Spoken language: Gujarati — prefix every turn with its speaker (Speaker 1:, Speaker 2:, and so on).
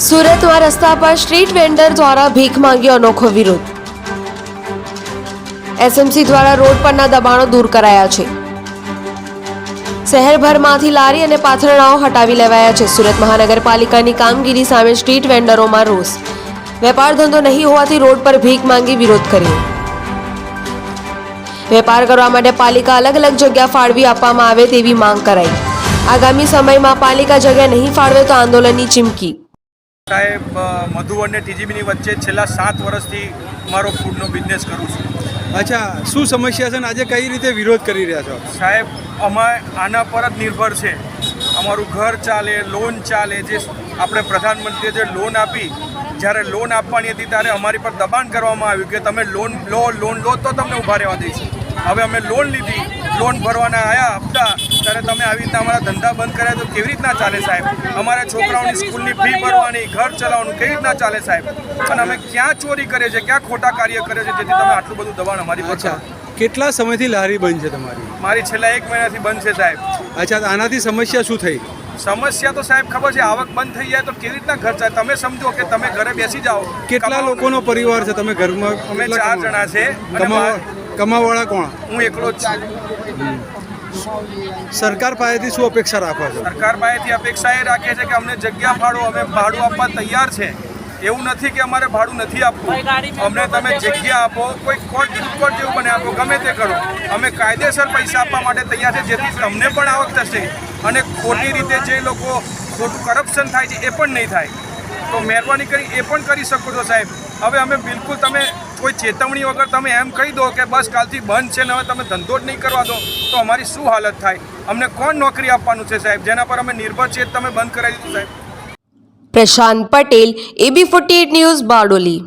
Speaker 1: સુરતમાં રસ્તા પર સ્ટ્રીટ વેન્ડર દ્વારા ભીખ માંગી અનોખો વિરોધ. એસએમસી દ્વારા રોડ પરના દબાણો દૂર કરાયા છે. શહેરભરમાંથી લારી અને પાથરણાઓ હટાવી લેવાયા છે. સુરત મહાનગરપાલિકાની કામગીરી સામે સ્ટ્રીટ વેન્ડરોમાં રોષ. વેપાર ધંધો નહીં હોવાથી રોડ પર ભીખ માંગી વિરોધ કર્યો. વેપાર કરવા માટે પાલિકા અલગ અલગ જગ્યા ફાળવી આપવામાં આવે તેવી માંગ કરાઈ. આગામી સમયમાં પાલિકા જગ્યા નહીં ફાળવે તો આંદોલનની ચીમકી.
Speaker 2: સાહેબ, મધુવન ને ટીજીબીની વચ્ચે છેલ્લા 7 વર્ષથી મારો ફૂડનો બિઝનેસ કરું છું.
Speaker 3: અચ્છા, શું સમસ્યા છે ને આજે કઈ રીતે વિરોધ કરી રહ્યા છો?
Speaker 2: સાહેબ, અમે આના પર જ નિર્ભર છે. અમારું ઘર ચાલે, લોન ચાલે. જે આપણે પ્રધાનમંત્રીએ જે લોન આપી, જ્યારે લોન આપવાની હતી ત્યારે અમારી પર દબાણ કરવામાં આવ્યું કે તમે લોન લો તો તમને ઊભા રહેવા દઈશું. હવે અમે લોન લીધી, લોન ભરવાના આવ્યા હપ્તા, ત્યારે તમે આવી રીતના અમારા ધંધા બંધ કર્યા તો કેવી રીતના ચાલે સાહેબ? અમારા છોકરાઓની સ્કૂલની ફી ભરવાની, ઘર ચલાવવાનું કેવી રીતના ચાલે સાહેબ? અને અમે ક્યાં ચોરી કરીએ છીએ, ક્યાં ખોટા કાર્ય કરીએ છીએ જેથી તમે આટલું બધું દબાણ અમારી પર?
Speaker 3: અચ્છા, કેટલા સમયથી લારી બંધ છે તમારી?
Speaker 2: મારી છેલ્લા 1 મહિનાથી બંધ છે સાહેબ.
Speaker 3: અચ્છા, આનાથી સમસ્યા શું થઈ?
Speaker 2: સમસ્યા તો સાહેબ ખબર છે, આવક બંધ થઈ જાય તો કેવી રીતના ઘર ચાલે? તમે સમજો કે તમે ઘરે બેસી જાઓ.
Speaker 3: કેટલા લોકોનો પરિવાર છે તમે ઘરમાં?
Speaker 2: અમે 4 જણા છે.
Speaker 3: કમાવાળા કોણ?
Speaker 2: હું એકલો જ છું.
Speaker 3: સરકાર પાસેથી શું અપેક્ષા રાખો છો?
Speaker 2: સરકાર પાસેથી અપેક્ષા એ રાખીએ છીએ કે અમને જગ્યા ફાળો, અમે ભાડું આપવા તૈયાર છે. એવું નથી કે અમારે ભાડું નથી આપવું. અમને તમે જગ્યા આપો, કોઈ કોર્ટ જેવું બને આપો, ગમે તે કરો. અમે કાયદેસર પૈસા આપવા માટે તૈયાર છે જેથી તમને પણ આવક થશે અને ખોટી રીતે જે લોકો ખોટું કરપ્શન થાય છે એ પણ નહીં થાય. તો મહેરબાની કરી એ પણ કરી શકો છો સાહેબ. હવે અમે બિલકુલ તમે કોઈ ચેતવણી વગર તમે એમ કહી દો કે બસ કાલથી બંધ છે ને હવે તમે ધંધો જ નહીં કરવા દો તો અમારી શું હાલત થાય? અમને કોણ નોકરી આપવાનું છે સાહેબ? જેના પર અમે નિર્ભર છીએ તમે બંધ કરાવી દીધું સાહેબ.
Speaker 1: Prashant Patel, AB48 news, Bardoli.